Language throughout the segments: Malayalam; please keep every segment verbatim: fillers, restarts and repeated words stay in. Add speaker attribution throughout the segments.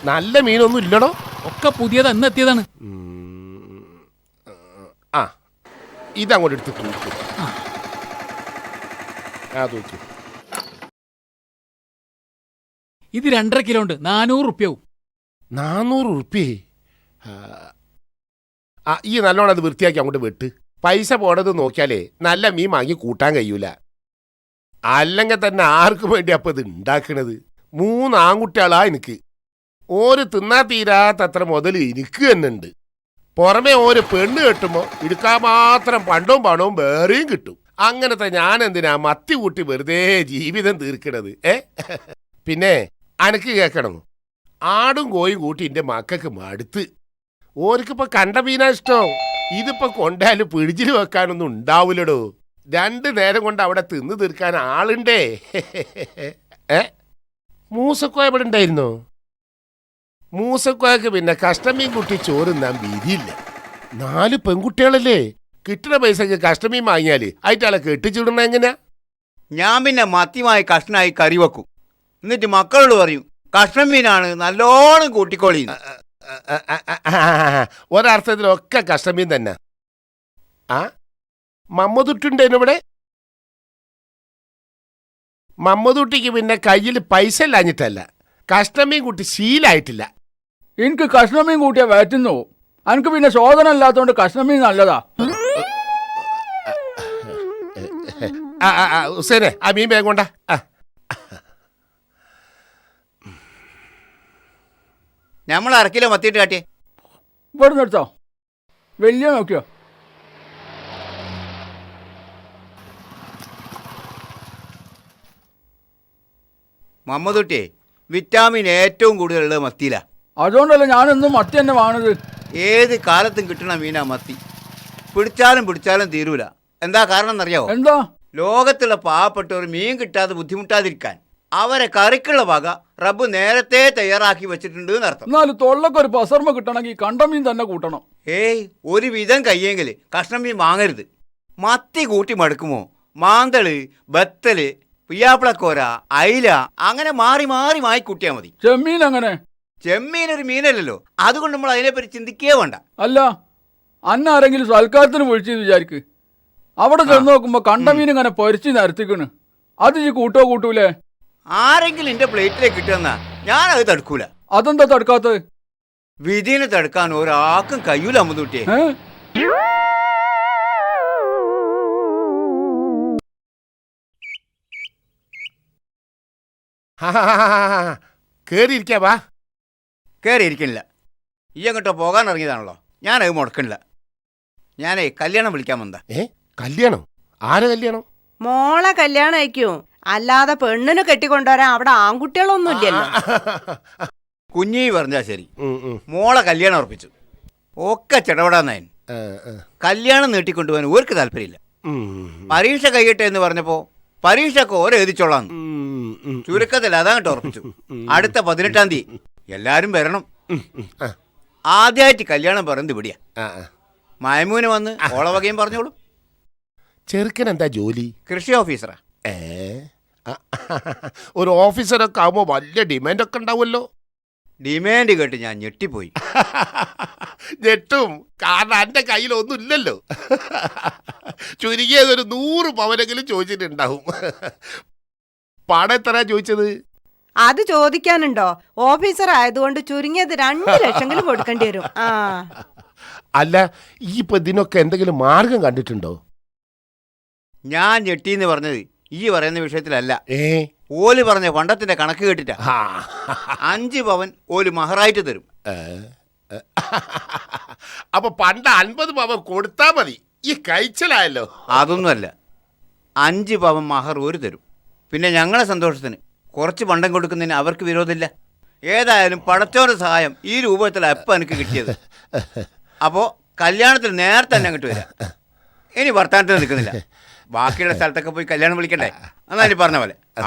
Speaker 1: നല്ല മീനൊന്നും ഇല്ലടോ.
Speaker 2: ഒക്കെ പുതിയത് എന്ന് എത്തിയതാണ്.
Speaker 1: ആ ഇതങ്ങോട്ട് എടുത്ത് തൂക്കും. ആ തൂക്കും.
Speaker 2: ഇത് രണ്ടര കിലോ ഉണ്ട്, നാനൂറ് റുപ്യാവും.
Speaker 1: നാനൂറ് റുപ്യേ? ആ ഈ നല്ലോണം അത് വൃത്തിയാക്കി അങ്ങോട്ട് വെട്ട്. പൈസ പോണത് നോക്കിയാലേ നല്ല മീൻ വാങ്ങി കൂട്ടാൻ കഴിയൂല. അല്ലെങ്കിൽ തന്നെ ആർക്കും വേണ്ടി അപ്പം ഇത് ഉണ്ടാക്കണത്? മൂന്ന് ആൺകുട്ടികളാ എനിക്ക്. ഓര് തിന്നാ തീരാത്തത്ര മുതൽ എനിക്ക് തന്നെ ഉണ്ട്. പുറമെ ഓര് പെണ്ണ് കെട്ടുമ്പോൾ എടുക്കാൻ മാത്രം പണ്ടവും പണവും വേറെയും കിട്ടും. അങ്ങനത്തെ ഞാൻ എന്തിനാ മത്തി കൂട്ടി വെറുതെ ജീവിതം തീർക്കണത്? ഏ പിന്നെ അനക്ക് കേൾക്കണം, ആടും കോയും കൂട്ടി എൻ്റെ മക്കൾക്ക് മടുത്ത്. ഓർക്കിപ്പോൾ കണ്ട മീനാ ഇഷ്ടം. ഇതിപ്പോൾ കൊണ്ടാലും പിടിച്ചിൽ വെക്കാനൊന്നും ഉണ്ടാവില്ലടോ. രണ്ട് നേരം കൊണ്ട് അവിടെ തിന്ന് തീർക്കാൻ ആളുണ്ടേ. ഏ മൂസക്കോയ ഇവിടെ ഉണ്ടായിരുന്നോ? മൂസക്കോയക്ക് പിന്നെ കഷ്ടമീൻ കുട്ടി ചോറുന്നാൻ വിധിയില്ല. നാല് പെൺകുട്ടികളല്ലേ, കിട്ടുന്ന പൈസക്ക് കഷ്ടമീൻ വാങ്ങിയാൽ ആയിട്ടാളെ കെട്ടിച്ചിടണ എങ്ങനെയാ?
Speaker 3: ഞാൻ പിന്നെ മത്തിയുമായി കഷ്ണമായി കറി വെക്കും. എന്നിട്ട് മക്കളോട് പറയും കഷ്ണം മീനാണ് നല്ലോണം കൂട്ടിക്കോളി.
Speaker 1: ഒരർത്ഥത്തിലൊക്കെ കഷ്ടമീൻ തന്നെ. ആ മമ്മദുട്ടുണ്ടേനു ഇവിടെ? മമ്മദുട്ടിക്ക് പിന്നെ കയ്യിൽ പൈസ ഇല്ലാഞ്ഞിട്ടല്ല, കഷ്ണമീൻ കൂട്ടി ശീലായിട്ടില്ല.
Speaker 4: എനിക്ക് കഷ്ണമീൻ കൂട്ടിയാ വയറ്റുന്നു. എനിക്ക് പിന്നെ ശോധന അല്ലാത്തോണ്ട് കഷ്ണമീൻ നല്ലതാ.
Speaker 1: ഹുസൈനെ ആ മീൻ വേഗം കൊണ്ട.
Speaker 3: നമ്മൾ അരക്കിലോ മത്തിയിട്ട് കാട്ടിയേ.
Speaker 4: ഇവിടെ നിർത്തോ, വലിയ നോക്കിയോ?
Speaker 3: മമ്മദുട്ടിയെ വിറ്റാമിൻ ഏറ്റവും കൂടുതലുള്ളത് മത്തിയിലാ.
Speaker 4: അതുകൊണ്ടല്ല ഞാനെന്നും മത്തി തന്നെ വാങ്ങുന്നത്.
Speaker 3: ഏത് കാലത്തും കിട്ടണ മീനാ മത്തി. പിടിച്ചാലും പിടിച്ചാലും തീരൂല. എന്താ കാരണം എന്നറിയാവോ?
Speaker 4: എന്താ?
Speaker 3: ലോകത്തുള്ള പാവപ്പെട്ടവർ മീൻ കിട്ടാതെ ബുദ്ധിമുട്ടാതിരിക്കാൻ അവരെ കറിക്കുള്ള വക റബ്ബ് നേരത്തെ തയ്യാറാക്കി വെച്ചിട്ടുണ്ട് എന്നർത്ഥം.
Speaker 4: എന്നാലും തൊള്ളക്ക് ഒരു പസർമ കിട്ടണമെങ്കിൽ കണ്ട മീൻ തന്നെ കൂട്ടണം.
Speaker 3: ഏയ് ഒരു വിധം കയ്യെങ്കിൽ കഷ്ണം മീൻ വാങ്ങരുത്. മത്തി കൂട്ടി മടുക്കുമോ മാന്തള്, ബത്തല്, പിയാപ്പിളക്കോര, അയില അങ്ങനെ മാറി മാറി വാങ്ങി കൂട്ടിയാൽ മതി.
Speaker 4: ചെമ്മീൻ അങ്ങനെ?
Speaker 3: ചെമ്മീൻ ഒരു മീനല്ലല്ലോ, അതുകൊണ്ട് നമ്മൾ അതിനെപ്പറ്റി ചിന്തിക്കേ വേണ്ട.
Speaker 4: അല്ല, അന്ന ആരെങ്കിലും സൽക്കാരത്തിന് വിളിച്ചെന്ന് വിചാരിക്ക്. അവിടെ ചെന്ന് നോക്കുമ്പോ കണ്ട മീൻ ഇങ്ങനെ പൊരിച്ച് നിരത്തിക്കണ്. അത് ഈ കൂട്ടോ കൂട്ടൂലേ?
Speaker 3: ആരെങ്കിലും എന്റെ പ്ലേറ്റിലേക്ക് കിട്ടുന്ന ഞാനത് തടുക്കൂല.
Speaker 4: അതെന്താ തടുക്കാത്തത്?
Speaker 3: വിധിനെ തടുക്കാൻ ഒരാൾക്കും കഴിയൂല അമ്മൂട്ടിയെ.
Speaker 1: കേറിയിരിക്കാ വാ.
Speaker 3: കയറിയിരിക്കണില്ല. ഈ അങ്ങോട്ടോ പോകാൻ ഇറങ്ങിയതാണല്ലോ, ഞാനത് മുടക്കണില്ല. ഞാനേ കല്യാണം വിളിക്കാൻ വന്നതാ.
Speaker 1: ഏ കല്യാണം? ആരെ കല്യാണം?
Speaker 5: മോളെ കല്യാണം അയക്കും. അല്ലാതെ പെണ്ണിന് കെട്ടിക്കൊണ്ടുവരാൻ അവിടെ ആൺകുട്ടികളൊന്നും ഇല്ലല്ലോ.
Speaker 3: കുഞ്ഞി പറഞ്ഞാ ശരി, മോളെ കല്യാണം ഉറപ്പിച്ചു. ഒക്കെ ചെടപെടാന്നായൻ. കല്യാണം നീട്ടിക്കൊണ്ടുപോകാൻ ഓർക്ക് താല്പര്യമില്ല. പരീക്ഷ കഴിയട്ടെ എന്ന് പറഞ്ഞപ്പോ പരീക്ഷക്ക് ഓരോ എഴുതിച്ചോളാന്ന്. ചുരുക്കത്തിൽ അതാ കേട്ടോ ഉറപ്പിച്ചു. അടുത്ത പതിനെട്ടാം തീയതി എല്ലാരും വരണം. ആദ്യമായിട്ട് കല്യാണം പറയുന്നത് ഇവിടെയാ. മൈമൂന് വന്ന് ഓളവകയും പറഞ്ഞോളൂ.
Speaker 1: ചെറുക്കൻ എന്താ ജോലി?
Speaker 3: കൃഷി ഓഫീസറാ.
Speaker 1: ഏ ഒരു ഓഫീസറൊക്കെ ആവുമ്പോ വലിയ ഡിമാൻഡ് ഒക്കെ ഉണ്ടാവുമല്ലോ.
Speaker 3: ഡിമാൻഡ് കേട്ട് ഞാൻ ഞെട്ടിപ്പോയി.
Speaker 1: ഞെട്ടും, കാരണം എന്റെ കയ്യിൽ ഒന്നും ഇല്ലല്ലോ. ചുരുങ്ങിയതൊരു നൂറ് പവനെങ്കിലും ചോദിച്ചിട്ടുണ്ടാവും. പണം എത്ര ചോദിച്ചത്?
Speaker 5: അത് ചോദിക്കാനുണ്ടോ? ഓഫീസർ ആയതുകൊണ്ട് ചുരുങ്ങിയത് രണ്ട് ലക്ഷങ്ങളും കൊടുക്കേണ്ടി വരും. ആ
Speaker 1: അല്ല, ഈ ഇപ്പൊ ഇതിനൊക്കെ എന്തെങ്കിലും മാർഗം കണ്ടിട്ടുണ്ടോ?
Speaker 3: ഞാൻ ഞെട്ടിന്ന് പറഞ്ഞത് ഈ പറയുന്ന വിഷയത്തിലല്ല.
Speaker 1: ഏ
Speaker 3: ഓല് പറഞ്ഞ പണ്ടത്തിന്റെ കണക്ക് കേട്ടിട്ടാ. അഞ്ച് പവൻ ഓല് മഹറായിട്ട് തരും.
Speaker 1: അപ്പൊ പണ്ട് അൻപത് പവൻ കൊടുത്താ മതി. ഈ കഴിച്ചലായല്ലോ.
Speaker 3: അതൊന്നുമല്ല, അഞ്ച് പവൻ മഹർ ഒരു തരും. പിന്നെ ഞങ്ങളെ സന്തോഷത്തിന് കുറച്ച് പണ്ടം കൊടുക്കുന്നതിന് അവർക്ക് വിരോധമില്ല. ഏതായാലും പടച്ചോന്റെ സഹായം ഈ രൂപത്തിലാണ് എപ്പം എനിക്ക് കിട്ടിയത്. അപ്പോൾ കല്യാണത്തിന് നേരത്തെ തന്നെ അങ്ങോട്ട് വരാം. ഇനി വർത്താനത്തിന് നിൽക്കുന്നില്ല. ബാക്കിയുള്ള സ്ഥലത്തൊക്കെ പോയി കല്യാണം വിളിക്കണ്ടേ? എന്നാ ഇനി പറഞ്ഞ പോലെ. ആ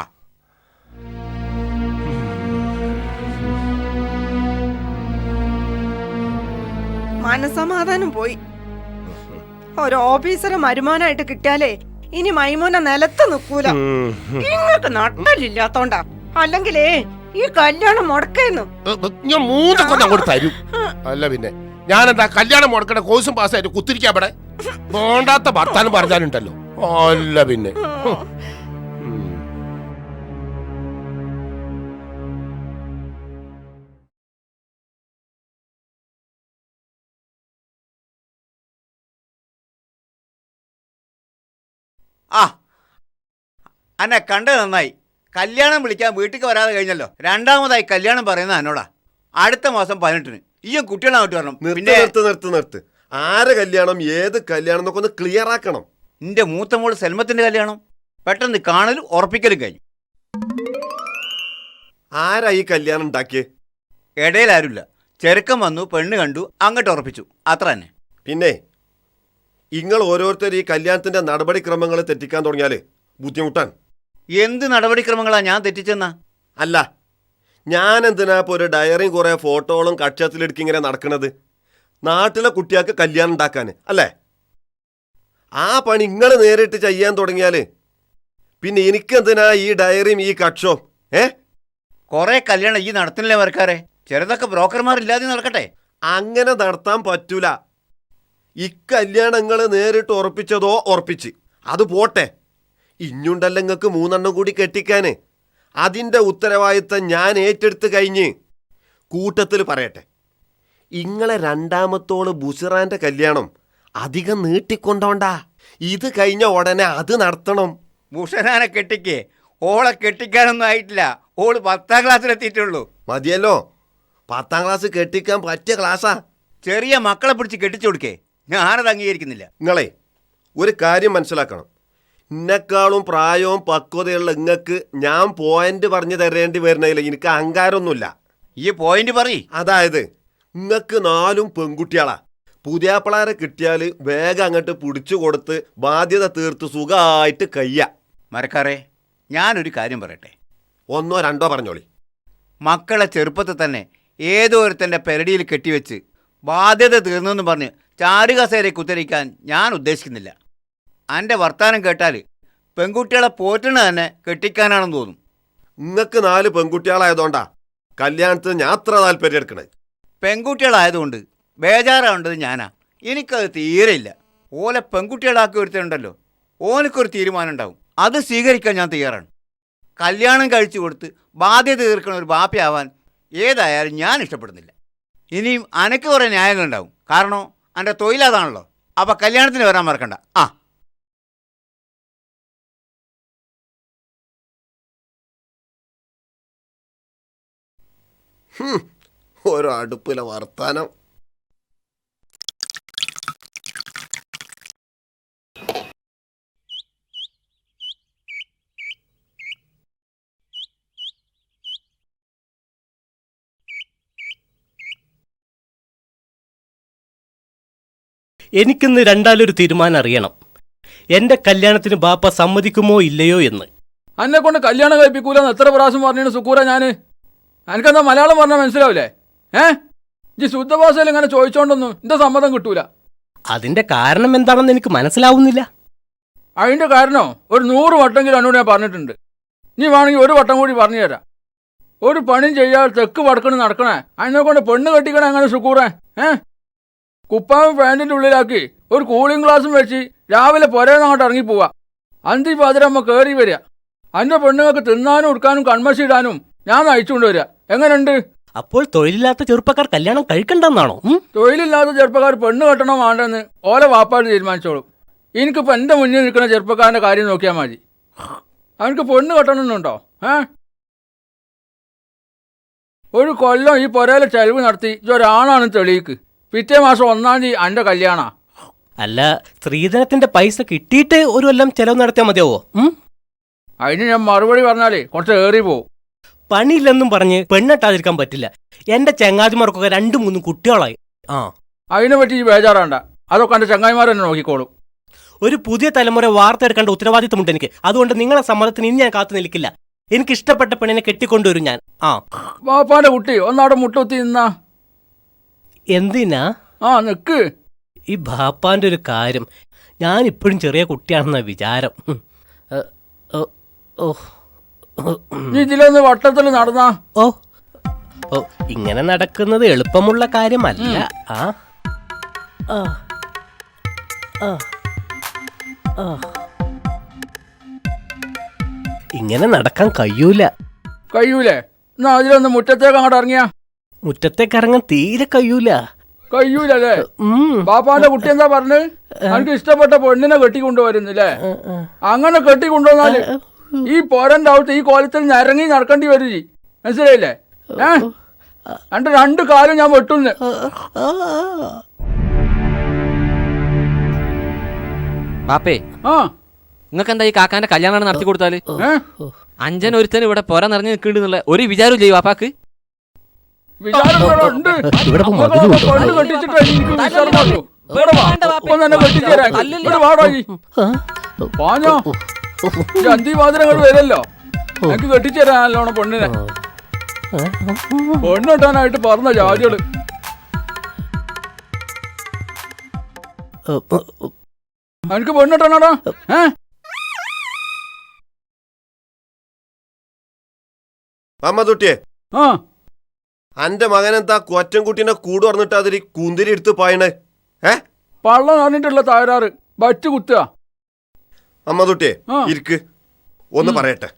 Speaker 5: മനസമാധാനം പോയി. ഒരു ഓഫീസറെ മരുമാനായിട്ട് കിട്ടിയാലേ ഇനി മൈമൂന നിലത്ത് നിൽക്കൂല. നിങ്ങൾക്ക് നട്ടലില്ലാത്തോണ്ടാ. അല്ലെങ്കിലേ ഈ കല്യാണം മുടക്കുന്നു.
Speaker 1: ഏ, ഏ, ഞാൻ മൂന്ന് കൊല്ലം അങ്ങോട്ട് തരും. അല്ല പിന്നെ ഞാനെന്താ കല്യാണം മുടക്കണ കോഴ്സും പാസ്സായിട്ട് കുത്തിരിക്കാ ഇവിടെ വേണ്ടാത്ത ഭർത്താനം പറഞ്ഞാലുണ്ടല്ലോ. അല്ല പിന്നെ ഹും. ഉം.
Speaker 3: ആ അന്നെ കണ്ടത് നന്നായി. കല്യാണം വിളിക്കാൻ വീട്ടിലേക്ക് വരാതെ കഴിഞ്ഞല്ലോ. രണ്ടാമതായി കല്യാണം പറയുന്നത് എന്നോടാ. അടുത്ത മാസം പതിനെട്ടിന് ഈയും കുട്ടികളെ അങ്ങോട്ട് വരണം.
Speaker 6: നിർത്ത്
Speaker 3: പിന്നെ
Speaker 6: നിർത്ത് നിർത്ത് നിർത്ത് ആരെ കല്യാണം ഏത് കല്യാണം എന്നൊക്കെ ഒന്ന് ക്ലിയർ ആക്കണം.
Speaker 3: നിന്റെ മൂത്ത മോള് സെൽമത്തിന്റെ കല്യാണം പെട്ടെന്ന് കാണലും ഉറപ്പിക്കലും കഴിഞ്ഞു.
Speaker 6: ആരാ ഈ കല്യാണം ഉണ്ടാക്കിയേ?
Speaker 3: ഇടയിൽ ആരുമില്ല. ചെറുക്കം വന്നു, പെണ്ണ് കണ്ടു, അങ്ങോട്ട് ഉറപ്പിച്ചു, അത്ര തന്നെ.
Speaker 6: പിന്നെ നിങ്ങൾ ഓരോരുത്തർ ഈ കല്യാണത്തിന്റെ നടപടിക്രമങ്ങൾ തെറ്റിക്കാൻ തുടങ്ങിയാല് ബുദ്ധിമുട്ടാണ്.
Speaker 3: എന്ത് നടപടിക്രമങ്ങളാ ഞാൻ തെറ്റിച്ചെന്നാ?
Speaker 6: അല്ല ഞാൻ എന്തിനാ ഇപ്പോൾ ഒരു ഡയറിയും കുറേ ഫോട്ടോകളും കക്ഷത്തിലെടുക്കി ഇങ്ങനെ നടക്കണത്? നാട്ടിലെ കുട്ടികൾക്ക് കല്യാണം ഉണ്ടാക്കാൻ അല്ലേ? ആ പണി നിങ്ങൾ നേരിട്ട് ചെയ്യാൻ തുടങ്ങിയാല് പിന്നെ എനിക്കെന്തിനാ ഈ ഡയറിയും ഈ കക്ഷവും? ഏ
Speaker 3: കുറെ കല്യാണം ഈ നടത്തുന്നില്ലേ വർക്കാരെ? ചെറുതൊക്കെ ബ്രോക്കർമാരില്ലാതെ നടക്കട്ടെ.
Speaker 6: അങ്ങനെ നടത്താൻ പറ്റൂല. ഇക്കല്യാണങ്ങൾ നേരിട്ട് ഉറപ്പിച്ചതോ ഉറപ്പിച്ച് അത് പോട്ടെ, ഇഞ്ഞുണ്ടല്ലോ നിങ്ങൾക്ക് മൂന്നെണ്ണം കൂടി കെട്ടിക്കാന്. അതിൻ്റെ ഉത്തരവാദിത്തം ഞാൻ ഏറ്റെടുത്ത് കഴിഞ്ഞ് കൂട്ടത്തിൽ പറയട്ടെ, ഇങ്ങളെ രണ്ടാമത്തോള് ബുസിറാൻ്റെ കല്യാണം അധികം നീട്ടിക്കൊണ്ടോണ്ടാ. ഇത് കഴിഞ്ഞ ഉടനെ അത് നടത്തണം.
Speaker 3: ഭൂഷണാനെ കെട്ടിക്കേ? ഓളെ കെട്ടിക്കാനൊന്നും ആയിട്ടില്ല. ഓള് പത്താം ക്ലാസ്സിലെത്തിയിട്ടുള്ളൂ.
Speaker 6: മതിയല്ലോ, പത്താം ക്ലാസ് കെട്ടിക്കാൻ പറ്റിയ ക്ലാസ്സാ.
Speaker 3: ചെറിയ മക്കളെ പിടിച്ച് കെട്ടിച്ചു കൊടുക്കേ? ഞാനത് അംഗീകരിക്കുന്നില്ല.
Speaker 6: നിങ്ങളെ ഒരു കാര്യം മനസ്സിലാക്കണം. എന്നെക്കാളും പ്രായവും പക്വതയുള്ള ഇങ്ങക്ക് ഞാൻ പോയിന്റ് പറഞ്ഞു തരേണ്ടി വരുന്നതില്ല. എനിക്ക് അഹങ്കാരമൊന്നുമില്ല.
Speaker 3: ഈ പോയിന്റ് പറയ്.
Speaker 6: അതായത് ഇങ്ങക്ക് നാലും പെൺകുട്ടികളാ. പുതിയാപ്പിളാരെ കിട്ടിയാൽ വേഗം അങ്ങോട്ട് പിടിച്ചു കൊടുത്ത് ബാധ്യത തീർത്ത് സുഖമായിട്ട് കയ്യ.
Speaker 3: മരക്കാരെ, ഞാനൊരു കാര്യം പറയട്ടെ.
Speaker 6: ഒന്നോ രണ്ടോ പറഞ്ഞോളി.
Speaker 3: മക്കളെ ചെറുപ്പത്തിൽ തന്നെ ഏതോ ഒരുത്തൻ്റെ പെരടിയിൽ കെട്ടിവെച്ച് ബാധ്യത തീർന്നെന്ന് പറഞ്ഞ് ചാരുകസേരെ കുത്തരിക്കാൻ ഞാൻ ഉദ്ദേശിക്കുന്നില്ല. എൻ്റെ വർത്താനം കേട്ടാൽ പെൺകുട്ടികളെ പോറ്റണ തന്നെ കെട്ടിക്കാനാണെന്ന് തോന്നും.
Speaker 6: ഇങ്ങക്ക് നാല് പെൺകുട്ടികളായതുകൊണ്ടാ കല്യാണത്തിന് ഞാൻ അത്ര താല്പര്യം എടുക്കണേ.
Speaker 3: പെൺകുട്ടികളായതുകൊണ്ട് ബേജാറാവേണ്ടത് ഞാനാ. എനിക്കത് തീരെയില്ല. ഓലെ പെൺകുട്ടികളാക്കി ഒരുത്തരുണ്ടല്ലോ, ഓനക്കൊരു തീരുമാനം ഉണ്ടാവും. അത് സ്വീകരിക്കാൻ ഞാൻ തയ്യാറാണ്. കല്യാണം കഴിച്ചു കൊടുത്ത് ബാധ്യത തീർക്കണ ഒരു ബാപ്പയാവാൻ ഏതായാലും ഞാൻ ഇഷ്ടപ്പെടുന്നില്ല. ഇനിയും അനക്ക് കുറേ ന്യായങ്ങളുണ്ടാവും. കാരണം എൻ്റെ തൊഴിലതാണല്ലോ. അപ്പം കല്യാണത്തിന് വരാൻ മറക്കണ്ട. ആ
Speaker 6: ഓരോ അടുപ്പിലെ വർത്താനം.
Speaker 7: എനിക്കിന്ന് രണ്ടാലൊരു തീരുമാനം അറിയണം. എൻ്റെ കല്യാണത്തിന് ബാപ്പ സമ്മതിക്കുമോ ഇല്ലയോ എന്ന്.
Speaker 4: അന്നെ കൊണ്ട് കല്യാണം കഴിപ്പിക്കൂലെന്ന് എത്ര പ്രാവശ്യം പറഞ്ഞു സുക്കൂറ ഞാൻ? എനിക്കെന്താ മലയാളം പറഞ്ഞാൽ മനസ്സിലാവില്ലേ? ഏ ജി ശുദ്ധഭാഷയിൽ ഇങ്ങനെ ചോദിച്ചോണ്ടൊന്നും എൻ്റെ സമ്മതം കിട്ടൂല.
Speaker 7: അതിൻ്റെ കാരണം എന്താണെന്ന് എനിക്ക് മനസ്സിലാവുന്നില്ല.
Speaker 4: അതിൻ്റെ കാരണോ ഒരു നൂറ് വട്ടെങ്കിലും എന്നോട് ഞാൻ പറഞ്ഞിട്ടുണ്ട്. നീ വേണമെങ്കിൽ ഒരു വട്ടം കൂടി പറഞ്ഞു തരാം. ഒരു പണിയും ചെയ്യാതെ തെക്ക് വടക്കണ് നടക്കണേ അതിനെ കൊണ്ട് പെണ്ണ് കെട്ടിക്കണേ അങ്ങനെ സുക്കൂറേ? ഏ കുപ്പാവും പാൻറ്റിൻ്റെ ഉള്ളിലാക്കി ഒരു കൂളിംഗ് ഗ്ലാസും വെച്ച് രാവിലെ പുരേന്ന് അങ്ങോട്ട് ഇറങ്ങിപ്പോവാ. അന്തി പാതിരമ്മ കയറി വരിക. അതിൻ്റെ പെണ്ണുങ്ങൾക്ക് തിന്നാനും ഉടുക്കാനും കൺമശി ഇടാനും ഞാൻ നയിച്ചുകൊണ്ട് വരിക. എങ്ങനെയുണ്ട്?
Speaker 7: അപ്പോൾ തൊഴിലില്ലാത്ത ചെറുപ്പക്കാർ കല്യാണം കഴിക്കണ്ടെന്നാണോ?
Speaker 4: തൊഴിലില്ലാത്ത ചെറുപ്പക്കാർ പെണ്ണ് കെട്ടണോ വേണ്ടെന്ന് ഓലെ വാപ്പാട് തീരുമാനിച്ചോളും. എനിക്കിപ്പോൾ എൻ്റെ മുന്നിൽ നിൽക്കുന്ന ചെറുപ്പക്കാരൻ്റെ കാര്യം നോക്കിയാൽ മതി. അവനക്ക് പെണ്ണ് കെട്ടണമെന്നുണ്ടോ? ഏ ഒരു കൊല്ലം ഈ പുരയിലെ ചെലവ് നടത്തി ഇതൊരാണാണ് തെളിയിക്ക്. പിറ്റേ മാസം ഒന്നാം തീയതി എൻ്റെ കല്യാണ.
Speaker 7: അല്ല, സ്ത്രീധനത്തിന്റെ പൈസ കിട്ടിയിട്ട് ഒരു കൊല്ലം ചെലവ് നടത്തിയാൽ മതിയാവോ?
Speaker 4: അതിന് ഞാൻ മറുപടി പറഞ്ഞാലേ കുറച്ച് ഏറി പോവും.
Speaker 7: പണിയില്ലെന്നും പറഞ്ഞ് പെണ്ണെട്ടാതിരിക്കാൻ പറ്റില്ല. എന്റെ ചങ്ങാതിമാർക്കൊക്കെ രണ്ടു മൂന്നും കുട്ടികളായി. ആ
Speaker 4: അതിനെ പറ്റി ഈ ബേജാറാണ്ട. അതൊക്കെ എൻ്റെ ചങ്ങായിമാർ തന്നെ നോക്കിക്കോളും.
Speaker 7: ഒരു പുതിയ തലമുറ വാർത്തെടുക്കേണ്ട ഉത്തരവാദിത്തമുണ്ട് എനിക്ക്. അതുകൊണ്ട് നിങ്ങളെ സമ്മതത്തിന് ഇനി ഞാൻ കാത്തു നിൽക്കില്ല. എനിക്ക് ഇഷ്ടപ്പെട്ട പെണ്ണിനെ കെട്ടിക്കൊണ്ടുവരും ഞാൻ. ആ
Speaker 4: ബാപ്പാന്റെ കുട്ടി ഒന്നവിടെ മുട്ടുത്തി നിന്നാ.
Speaker 7: എന്തിനാ?
Speaker 4: ആ നിക്ക്.
Speaker 7: ഈ ബാപ്പാന്റെ ഒരു കാര്യം, ഞാൻ ഇപ്പോഴും ചെറിയ കുട്ടിയാണെന്ന വിചാരം. ഓ
Speaker 4: നീ ഇതിലൊന്ന് വട്ടത്തിൽ നടന്നാ.
Speaker 7: ഓ ഓ ഇങ്ങനെ നടക്കുന്നത് എളുപ്പമുള്ള കാര്യമല്ല. ആ ആ ആ ആ ഇങ്ങനെ നടക്കാൻ കഴിയൂല.
Speaker 4: കഴിയൂലേ? എന്നാ അതിലൊന്ന് മുറ്റത്തേക്ക് അങ്ങോട്ട് ഇറങ്ങിയാ.
Speaker 7: മുറ്റത്തേക്ക് ഇറങ്ങാൻ തീരെ കഴിയൂല.
Speaker 4: കഴിയൂലല്ലേ?
Speaker 7: ഉം.
Speaker 4: ബാപ്പാന്റെ കുട്ടി എന്താ പറഞ്ഞ്? എനിക്ക് ഇഷ്ടപ്പെട്ട പെണ്ണിനെ കെട്ടിക്കൊണ്ടുവരുന്നില്ലേ? അങ്ങനെ കെട്ടിക്കൊണ്ടുവന്നാല് ഈ പോരന്റെ അവിടുത്തെ ഈ കോലത്തിൽ നിരങ്ങി നടക്കേണ്ടി വരും. ജി മനസ്സിലായില്ലേ? ഏ എന്റെ രണ്ട് കാലും ഞാൻ വെട്ടുന്നു.
Speaker 8: ബാപ്പേ,
Speaker 4: ആ
Speaker 8: നിങ്ങൾക്ക് എന്താ ഈ കാക്കാന്റെ കല്യാണം നടത്തി കൊടുത്താല്?
Speaker 4: ഏ
Speaker 8: അഞ്ചൻ ഒരുത്തന് ഇവിടെ പൊര നിറഞ്ഞു നിൽക്കുന്നുള്ള ഒരു വിചാരം ചെയ്യും ബാപ്പാക്ക്?
Speaker 4: വിചാരം ഇവിടെ ഉണ്ട്.
Speaker 7: ഇവിടെ ഇപ്പൊ
Speaker 4: മക്കളെ
Speaker 7: മധുരം ഉണ്ടോ?
Speaker 4: പെണ്ണ് കെട്ടിച്ചിട്ട് എനിക്ക് വിചാരമുള്ളൂ. ഇവിടെ വാ. ഒപ്പം തന്നെ കെട്ടിച്ചേരാ. ഇവിടെ വാടോ ജി. പാഞ്ഞോ അന്തി മാതിരങ്ങൾ വരല്ലോ. എനിക്ക് കെട്ടിച്ചേരാ നല്ലോണം പെണ്ണിനെ. പെണ്ണിട്ടാനായിട്ട് പറഞ്ഞ ജാതികള്. എനിക്ക് പെണ്ണിട്ടാണോടാ? ഏ
Speaker 6: മമ്മദുട്ടിയെ,
Speaker 4: ആ
Speaker 6: അന്റെ മകനെന്താ കൊറ്റൻകുട്ടീനെ കൂട് പറഞ്ഞിട്ട് അതിൽ കുന്തിരി എടുത്ത് പായണേ? ഏ
Speaker 4: പള്ളം പറഞ്ഞിട്ടുള്ള തകരാറ് ബറ്റ് കുത്തുക.
Speaker 6: മമ്മദുട്ടിയെ,
Speaker 4: ആ.
Speaker 6: ഇരിക്ക്, ഒന്ന് പറയട്ടെ.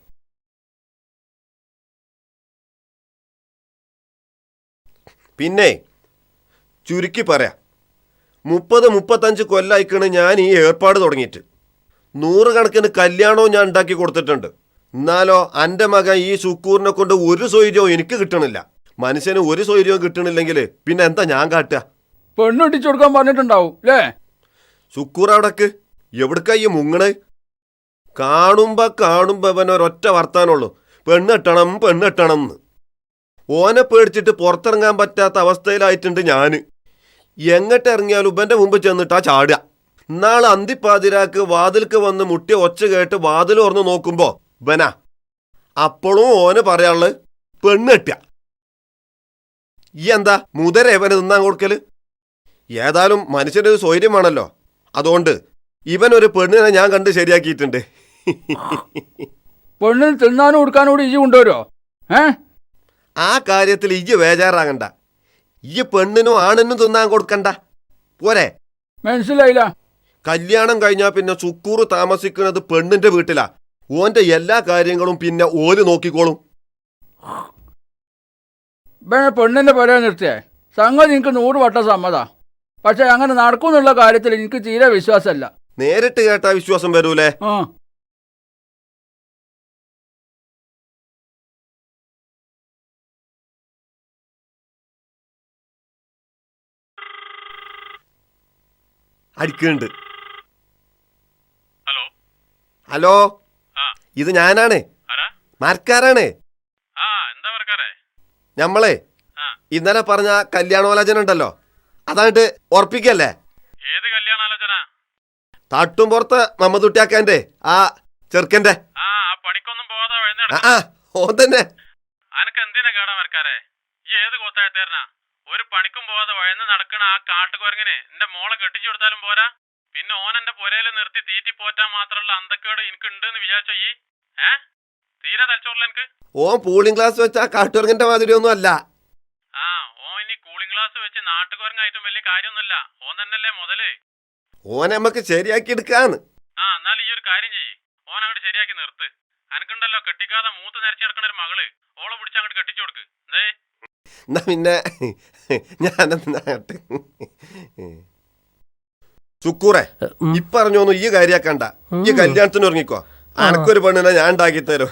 Speaker 6: പിന്നെ ചുരുക്കി പറയാം, മുപ്പത് മുപ്പത്തഞ്ച് കൊല്ലായിക്കണ് ഞാൻ ഈ ഏർപ്പാട് തുടങ്ങിയിട്ട്. നൂറുകണക്കിന് കല്യാണവും ഞാൻ ഉണ്ടാക്കി കൊടുത്തിട്ടുണ്ട്. എന്നാലോ എൻ്റെ മകൻ ഈ സുക്കൂറിനെ കൊണ്ട് ഒരു സൗകര്യവും എനിക്ക് കിട്ടണില്ല. മനുഷ്യന് ഒരു സൗകര്യവും കിട്ടണില്ലെങ്കിൽ പിന്നെ എന്താ ഞാൻ കാട്ടുക?
Speaker 4: പെണ്ണിട്ടിച്ചു കൊടുക്കാൻ പറഞ്ഞിട്ടുണ്ടാവും അല്ലേ?
Speaker 6: സുക്കൂർ അവിടക്ക് എവിടക്ക ഈ മുങ്ങണേ? കാണുമ്പോ കാണുമ്പോ അവൻ ഒരൊറ്റ വർത്താനുള്ളൂ, പെണ്ണെട്ടണം പെണ്ണെട്ടണം എന്ന്. ഓനെ പേടിച്ചിട്ട് പുറത്തിറങ്ങാൻ പറ്റാത്ത അവസ്ഥയിലായിട്ടുണ്ട് ഞാൻ. എങ്ങോട്ട് ഇറങ്ങിയാലും ഇവൻ്റെ മുമ്പ് ചെന്നിട്ടാ ചാടുക. ഇന്നാൾ അന്തിപ്പാതിരാക്ക് വാതിൽക്ക് വന്ന് മുട്ടിയ ഒച്ച കേട്ട് വാതിൽ ഓർന്ന് നോക്കുമ്പോ ഇവനാ. അപ്പോഴും ഓന് പറയാനുള്ളത് പെണ്ണെട്ടുക. ഈ എന്താ മുതര ഇവന് തിന്നാൻ കൊടുക്കല്? ഏതായാലും മനുഷ്യനൊരു സ്വൈര്യം വേണല്ലോ. അതുകൊണ്ട് ഇവനൊരു പെണ്ണിനെ ഞാൻ കണ്ട് ശരിയാക്കിയിട്ടുണ്ട്.
Speaker 4: പെണ്ണിന് തിന്നാനും കൊടുക്കാനും കൂടി ഇജി കൊണ്ടുവരുമോ? ഏ
Speaker 6: ആ കാര്യത്തിൽ ഇജ്ജ് ബേജാറാകണ്ട. ഈ പെണ്ണിനും ആണിനും തിന്നാൻ കൊടുക്കണ്ട, പോരെ?
Speaker 4: മനസ്സിലായില്ല.
Speaker 6: കല്യാണം കഴിഞ്ഞാൽ പിന്നെ സുക്കൂറ് താമസിക്കുന്നത് പെണ്ണിന്റെ വീട്ടിലാ. ഓന്റെ എല്ലാ കാര്യങ്ങളും പിന്നെ ഓല് നോക്കിക്കോളും.
Speaker 4: പെണ്ണിന്റെ പുര നിർത്തിയേ സംഗതി എനിക്ക് നൂറ് വട്ടം സമ്മതാ. പക്ഷെ അങ്ങനെ നടക്കുന്നുള്ള കാര്യത്തിൽ എനിക്ക് തീരെ വിശ്വാസമല്ല.
Speaker 6: നേരിട്ട് കേട്ടാ വിശ്വാസം വരൂലേ?
Speaker 4: ആ
Speaker 6: അടിക്കുന്നുണ്ട്. ഹലോ, ഇത് ഞാനാണ്, മരക്കാരാണ്. ഞമ്മളെ ഇന്നലെ പറഞ്ഞ കല്യാണോലോചന ഉണ്ടല്ലോ, അതായിട്ട് ഉറപ്പിക്കല്ലേ? തട്ടും പുറത്ത് മമ്മദുട്ടിയാക്കാന്റെ ആ ചെറുക്കന്റെ. ആ ഓൻ തന്നെ.
Speaker 9: ഒരു പണിക്കും പോവാതെ വഴന്ന് നടക്കണ ആ കാട്ടുകുരങ്ങനെ എന്റെ മോളെ കെട്ടിച്ചു കൊടുത്താലും പോരാ, പിന്നെ ഓൻ എന്റെ പുരയില് നിർത്തി തീറ്റി പോറ്റാൻ മാത്രമുള്ള അന്തക്കേട് എനിക്ക് ഉണ്ടെന്ന് വിചാരിച്ചോ ഈ? ഏ തീരെ തലച്ചോറില്ല എനിക്ക്.
Speaker 6: ഓൻ കൂളിംഗ് ഗ്ലാസ് വെച്ച ആ കാട്ടുകുരങ്ങന്റെ മാതിരി ഒന്നും അല്ല.
Speaker 9: ആ ഓൻ ഇനി കൂളിംഗ് ഗ്ലാസ് വെച്ച് നാട്ടുകുരങ്ങായിട്ടും വലിയ കാര്യമൊന്നുമില്ല. ഓൻ തന്നെയല്ലേ മുതല്.
Speaker 6: ഓനെ നമുക്ക് ശരിയാക്കി എടുക്കാന്ന്.
Speaker 9: ആ എന്നാൽ ഈ ഒരു കാര്യം ചെയ്യ്, ഓൻ അങ്ങോട്ട് ശരിയാക്കി നിർത്ത്. അനക്കുണ്ടല്ലോ കെട്ടിക്കാതെ മൂത്ത് നിരത്തി നടക്കണ ഒരു മകള്, ഓളെ പിടിച്ച് അങ്ങോട്ട് കെട്ടിച്ചു കൊടുക്ക്. എന്തേ
Speaker 6: എന്നാ പിന്നെ ഞാനെന്നാട്ടെ. സുക്കൂറെ, ഇപ്പറഞ്ഞോന്നു ഈ കാര്യാക്കണ്ട. ഈ കല്യാണത്തിന് ഇറങ്ങിക്കോ. അനക്കൊരു പെണ്ണിനെ ഞാൻ ഉണ്ടാക്കി തരും.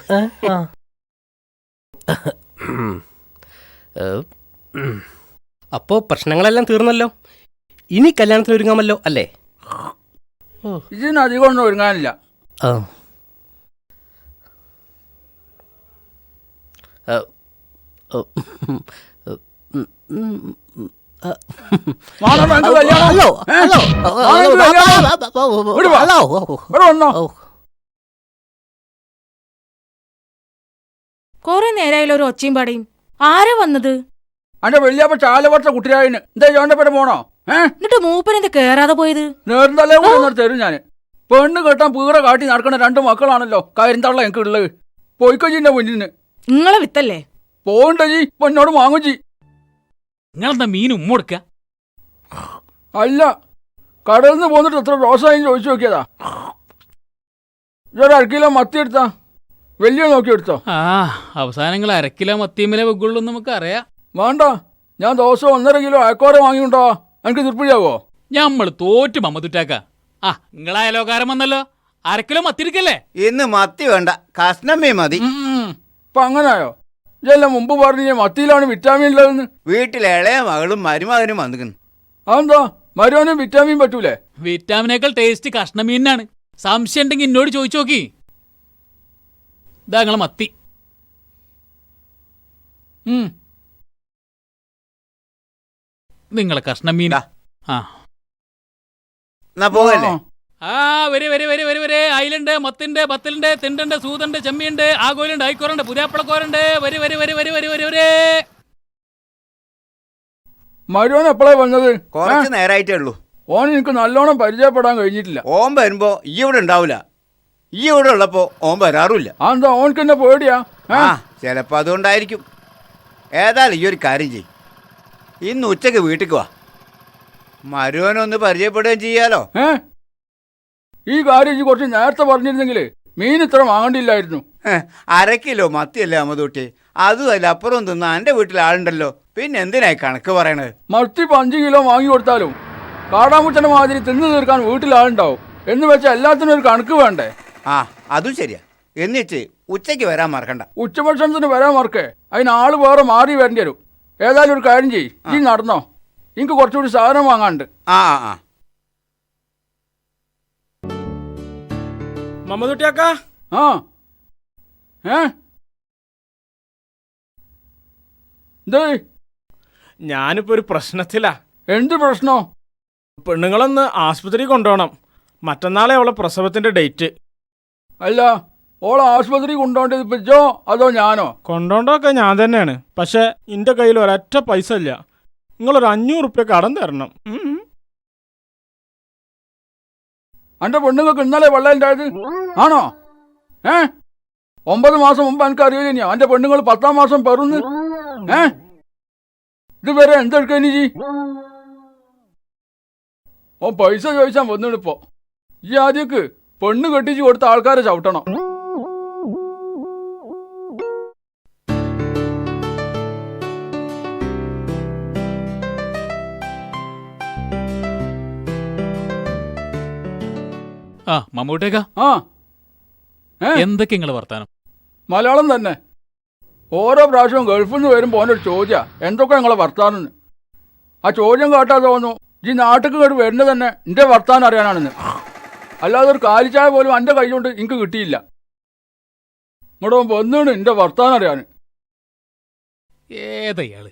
Speaker 7: അപ്പോ പ്രശ്നങ്ങളെല്ലാം തീർന്നല്ലോ. ഇനി കല്യാണത്തിന് ഒരുങ്ങാമല്ലോ അല്ലേ?
Speaker 4: ഇതിന് അധികം ഒന്നും ഒരുങ്ങാനില്ല.
Speaker 10: കൊറേ നേരായാലും ഒരു ഒച്ചയും പാടയും. ആരാ വന്നത്?
Speaker 4: അന്റെ വലിയപ്പ ചാലവർഷ കുട്ടിയായിന് എന്താ ചോന്റെ പേര് പോണോ? ഏഹ്
Speaker 10: എന്നിട്ട് മൂപ്പനെന്ത് കേറാതെ പോയത്?
Speaker 4: നേർന്നല്ലേ കൂടെ തരും ഞാന്. പെണ്ണ് കെട്ടാൻ പീറ കാട്ടി നടക്കണ രണ്ട് മക്കളാണല്ലോ കരിന്തള്ള എനിക്ക് ഉള്ളത്. പോയിക്കോജിന്റെ മുന്നിന്ന്
Speaker 10: നിങ്ങളെ വിത്തല്ലേ?
Speaker 4: പോകണ്ട ജി, ഇപ്പൊ എന്നോട് വാങ്ങും ജി.
Speaker 2: നിങ്ങളെന്താ മീൻ ഉമ്മ കൊടുക്ക?
Speaker 4: അല്ല, കടയിൽ നിന്ന് പോന്നിട്ട് എത്ര റോസായി ചോദിച്ചു നോക്കിയതാ. ഇതൊരു അരക്കിലോ മത്തി എടുത്താ, വലിയ നോക്കി എടുത്തോ.
Speaker 2: ആ അവസാനങ്ങൾ അരക്കിലോ മത്തിയമ്മലെ വെക്കുള്ളൂ നമുക്ക് അറിയാം.
Speaker 4: വേണ്ട, ഞാൻ ദിവസം ഒന്നര കിലോ അയക്കോര വാങ്ങിയുണ്ടോ, എനിക്ക് തൃപ്തിയാവോ?
Speaker 2: ഞമ്മള് തോറ്റ് മമ്മതുറ്റാക്ക. ആ നിങ്ങളായാലോകാരം വന്നല്ലോ, അരക്കിലോ മത്തി എടുക്കല്ലേ?
Speaker 3: ഇന്ന് മത്തി വേണ്ട, കഷ്ണമേ മതി.
Speaker 4: ഇപ്പൊ അങ്ങനായോ? ഇതെല്ലാം മുമ്പ് പറഞ്ഞ മത്തിയിലാണ് വിറ്റാമിൻ ഉള്ളതെന്ന്.
Speaker 3: വീട്ടിലെ ഇളയ മകളും മരുമകനും വന്നിക്കുന്നു.
Speaker 4: അതെന്താ, മരുവനും വിറ്റാമിൻ പറ്റൂലേ?
Speaker 2: വിറ്റാമിനേക്കാൾ ടേസ്റ്റ് കഷ്ണമീനാണ്. സംശയം ഉണ്ടെങ്കിൽ എന്നോട് ചോദിച്ചു നോക്കി. ഇതാ നിങ്ങളെ മത്തി. നിങ്ങളെ കഷ്ണമീൻ. ആ
Speaker 3: എന്നാ പോകല്ലേ?
Speaker 2: ആ വരെ വരെ വരെ വരെ വരെ അയിലുണ്ട്, മത്തിണ്ട്, ബത്തലുണ്ട്, തിണ്ടുണ്ട്, സൂതുണ്ട്, ചെമ്മിയുണ്ട്, ആകോലുണ്ട്, ഐക്കോറുണ്ട്, പുതിയാപ്പളക്കോറുണ്ട്. വരെ വരെ വരെ വരെ വരെ വരെ വരെ
Speaker 4: മരുവൻ എപ്പോഴാ വന്നത്?
Speaker 3: കുറച്ച് നേരായിട്ടേ ഉള്ളൂ.
Speaker 4: ഓൻ എനിക്ക് നല്ലോണം പരിചയപ്പെടാൻ കഴിഞ്ഞിട്ടില്ല.
Speaker 3: ഓൻ വരുമ്പോ ഈ ഇവിടെ ഉണ്ടാവൂല, ഈ ഇവിടെ ഉള്ളപ്പോ ഓൻ വരാറുമില്ല.
Speaker 4: അതെന്താ, ഓനക്ക് എന്നെ പേടിയാ?
Speaker 3: ആ ചിലപ്പോ അതുകൊണ്ടായിരിക്കും. ഏതായാലും ഈ ഒരു കാര്യം ചെയ്യും, ഇന്ന് ഉച്ചക്ക് വീട്ടിൽ വാ, മരുവനൊന്ന് പരിചയപ്പെടുകയും ചെയ്യാലോ.
Speaker 4: ഏ ഈ കാര്യം കുറച്ച് നേരത്തെ പറഞ്ഞിരുന്നെങ്കിൽ മീൻ ഇത്ര വാങ്ങണ്ടില്ലായിരുന്നു.
Speaker 3: അര കിലോ മത്തിയല്ലേ അമ്മതൂട്ടി, അതും അല്ല അപ്പുറം തിന്നാ എൻ്റെ വീട്ടിൽ ആളുണ്ടല്ലോ, പിന്നെ എന്തിനായി കണക്ക് പറയണത്?
Speaker 4: മത്തി ഇപ്പം അഞ്ച് കിലോ വാങ്ങി കൊടുത്താലും കാടാമുച്ചന്റെ മാതിരി തിന്നു തീർക്കാൻ വീട്ടിൽ ആളുണ്ടാവും. എന്ന് വെച്ചാൽ എല്ലാത്തിനും ഒരു കണക്ക് വേണ്ടേ?
Speaker 3: ആ അതും ശരിയാ. എന്നിട്ട് ഉച്ചയ്ക്ക് വരാൻ മറക്കണ്ട.
Speaker 4: ഉച്ചഭക്ഷണത്തിന് വരാൻ മറക്കേ, അതിന് ആള് വേറെ മാറി വരേണ്ടി വരും. ഏതായാലും ഒരു കാര്യം ചെയ്യ്, ഈ നടന്നോ, എനിക്ക് കുറച്ചുകൂടി സാധനം വാങ്ങാണ്ട്.
Speaker 3: ആ ആ
Speaker 7: മമ്മതുട്ടിയാക്ക.
Speaker 4: ആ ഏ എന്തേ?
Speaker 11: ഞാനിപ്പോ ഒരു പ്രശ്നത്തിലാ.
Speaker 4: എന്ത് പ്രശ്നോ?
Speaker 11: പെണ്ണുങ്ങളൊന്ന് ആസ്പത്രി കൊണ്ടുപോകണം. മറ്റന്നാളെ അവളെ പ്രസവത്തിന്റെ ഡേറ്റ്.
Speaker 4: അല്ല, ഓളെ ആശുപത്രി കൊണ്ടുപോകേണ്ടത് ഇപ്പൊ ജോ അതോ ഞാനോ?
Speaker 11: കൊണ്ടോണ്ടൊക്കെ ഞാൻ തന്നെയാണ്. പക്ഷെ എന്റെ കയ്യിൽ ഒരൊറ്റ പൈസ ഇല്ല. നിങ്ങളൊരു അഞ്ഞൂറ് റുപ്യ കടം തരണം.
Speaker 4: എന്റെ പെണ്ണുങ്ങൾക്ക് ഇന്നലെ വെള്ളം ഉണ്ടായത് ആണോ? ഏ ഒമ്പത് മാസം മുമ്പ് എനിക്ക് അറിയില്ല എന്റെ പെണ്ണുങ്ങൾ പത്താം മാസം പെറുന്ന്. ഏ ഇതുവരെ എന്തെടുക്കാനി ജി? ഓ പൈസ ചോദിച്ചാൽ വന്നിടിപ്പോ. ഈ ആദ്യക്ക് പെണ്ണ് കെട്ടിച്ച് കൊടുത്ത ആൾക്കാരെ ചവിട്ടണം.
Speaker 2: ആ മമ്മൂട്ടേക്ക.
Speaker 4: ആ
Speaker 2: എന്തൊക്കെ നിങ്ങള് വർത്താനം?
Speaker 4: മലയാളം തന്നെ. ഓരോ പ്രാവശ്യവും ഗൾഫിൽ നിന്ന് വരുമ്പോൾ ഓനൊരു ചോദ്യ എന്തൊക്കെ നിങ്ങളെ വർത്താനം. ആ ചോദ്യം കേട്ടാ തോന്നുന്നു ഈ നാട്ടിൽ കേട്ട് വരുന്നത് തന്നെ എൻ്റെ വർത്താനം അറിയാനാണെന്ന്. അല്ലാതെ ഒരു കാലിച്ചായ പോലും എൻ്റെ കൈ കൊണ്ട് എനിക്ക് കിട്ടിയില്ല. ഇങ്ങോട്ട് വന്നാണ് എൻ്റെ വർത്താനം അറിയാൻ.
Speaker 2: ഏതയാള്?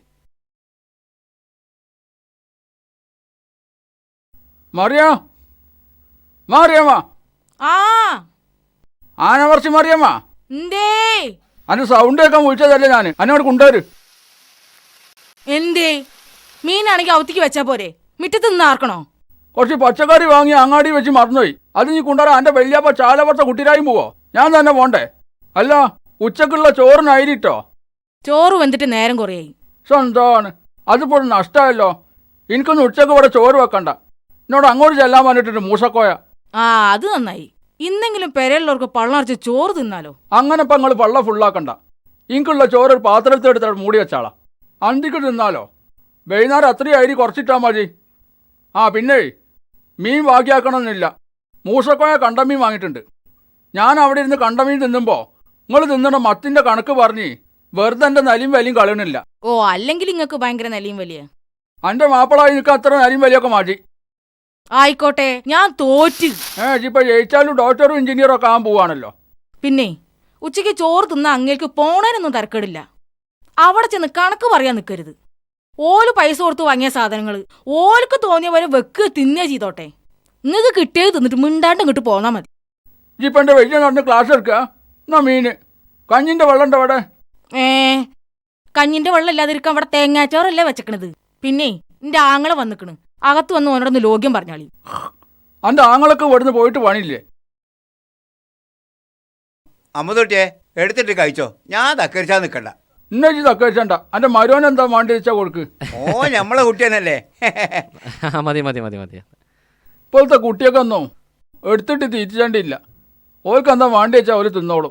Speaker 4: മറിയാ മാറിയമ്മ.
Speaker 10: ആ
Speaker 4: ആനവർച്ചി മറിയമ്മ,
Speaker 10: എന്തേ?
Speaker 4: അന്റെ സൗണ്ട് കേൾക്കാൻ വിളിച്ചതല്ലേ ഞാൻ. എന്നോട് കൊണ്ടുവരു.
Speaker 10: എന്തേ? മീനാണെങ്കിൽ അവത്തിക്ക് വെച്ചാ പോരെ, മിറ്റത്ത് നിന്ന് ആർക്കണോ?
Speaker 4: കുറച്ച് പച്ചക്കറി വാങ്ങി അങ്ങാടി വെച്ച് മറന്നുപോയി. അത് നീ കൊണ്ടുവരാൻ എൻ്റെ വലിയപ്പ ചാലവർത്ത കുട്ടിരായി പോവോ? ഞാൻ തന്നെ പോണ്ടേ? അല്ല, ഉച്ചക്കുള്ള ചോറിനായിരിട്ടോ?
Speaker 10: ചോറ് വെന്തിട്ട് നേരം കുറയായി.
Speaker 4: സ്വന്തമാണ്, അതിപ്പോൾ നഷ്ടമല്ലോ. എനിക്കൊന്ന് ഉച്ചക്ക് ഇവിടെ ചോറ് വെക്കണ്ട. എന്നോട് അങ്ങോട്ട് ചെല്ലാൻ പറഞ്ഞിട്ടുണ്ട് മൂസക്കോയ.
Speaker 10: ആ അത് നന്നായി. ഇന്നെങ്കിലും പെരയുള്ളവർക്ക് പള്ളറച്ച് ചോറ് തിന്നാലോ.
Speaker 4: അങ്ങനെ ഇപ്പം നിങ്ങൾ പള്ള ഫുള്ളാക്കണ്ട. എനിക്കുള്ള ചോറ് ഒരു പാത്രത്തിൽ എടുത്തിട്ട് മൂടി വെച്ചാളാ. അന്തിക്ക് തിന്നാലോ. വൈകുന്നേരം അത്രയും അരി കുറച്ചിട്ടാൽ മതി. ആ പിന്നെ മീൻ ബാക്കിയാക്കണമെന്നില്ല. മൂസക്കോയ കണ്ടമീൻ വാങ്ങിയിട്ടുണ്ട്. ഞാൻ അവിടെ ഇരുന്ന് കണ്ടമീൻ തിന്നുമ്പോൾ നിങ്ങൾ തിന്നണ മത്തിൻ്റെ കണക്ക് പറഞ്ഞ് വെറുതെ എൻ്റെ നലിയും വലിയും കളയണില്ല.
Speaker 10: ഓ അല്ലെങ്കിൽ ഇങ്ങക്ക് ഭയങ്കര നിലയും വലിയ.
Speaker 4: എൻ്റെ മാപ്പിളായി നിൽക്കുക അത്ര നലിയും വലിയൊക്കെ മാറ്റി.
Speaker 10: ആയിക്കോട്ടെ, ഞാൻ തോറ്റ്.
Speaker 4: ഏ ഇപ്പൊ ജയിച്ചാലും ഡോക്ടറും എഞ്ചിനീയറും ഒക്കെ ആകാൻ പോവാണല്ലോ.
Speaker 10: പിന്നെ ഉച്ചയ്ക്ക് ചോറ് തിന്ന അങ്ങേക്ക് പോണേനൊന്നും തരക്കേടില്ല. അവിടെ ചെന്ന് കണക്ക് പറയാൻ നിൽക്കരുത്. ഓല് പൈസ കൊടുത്ത് വാങ്ങിയ സാധനങ്ങൾ ഓൽക്ക് തോന്നിയ പോലെ വെക്ക് തിന്നേ ചെയ്തോട്ടെ. നിങ്ങൾക്ക് കിട്ടിയത് തിന്നിട്ട് മിണ്ടാണ്ട് ഇങ്ങോട്ട് പോന്നാ മതി.
Speaker 4: ഇപ്പൊ എന്റെ വലിയ നടന്ന് ക്ലാസ് എടുക്കുക. എന്നാ മീന് കഞ്ഞിന്റെ വെള്ളം ഉണ്ട് അവിടെ.
Speaker 10: ഏ കഞ്ഞിന്റെ വെള്ളം ഇല്ലാതിരിക്കാൻ അവിടെ തേങ്ങാച്ചോറല്ലേ വെച്ചക്കണത്. പിന്നെ എന്റെ ആങ്ങളെ വന്നിക്കണ്, അകത്ത് വന്ന് ഓനോടൊന്ന് ലോഗ്യം പറഞ്ഞാളി.
Speaker 4: അന്റെ ആങ്ങളൊക്കെ ഇവിടുന്ന് പോയിട്ട് പണിയില്ലേ?
Speaker 3: അമ്മതൊട്ടിയെ എടുത്തിട്ട് കഴിച്ചോ, ഞാൻ തക്കരിച്ചാൽ നിൽക്കണ്ട.
Speaker 4: ഇന്ന ഇജ്ജ് തക്കഴിച്ചണ്ട, എൻ്റെ മരുവൻ എന്താ വേണ്ടി വെച്ചാൽ കൊടുക്ക്.
Speaker 3: ഓ നമ്മളെ കുട്ടിയനല്ലേ.
Speaker 8: ആ, മതി മതി മതി മതി.
Speaker 4: ഇപ്പോഴത്തെ കുട്ടിയൊക്കെ ഒന്നും എടുത്തിട്ട് തീറ്റിച്ചണ്ടില്ല. ഓർക്ക് എന്താ വേണ്ടി വെച്ചാൽ അവർ തിന്നോളൂ.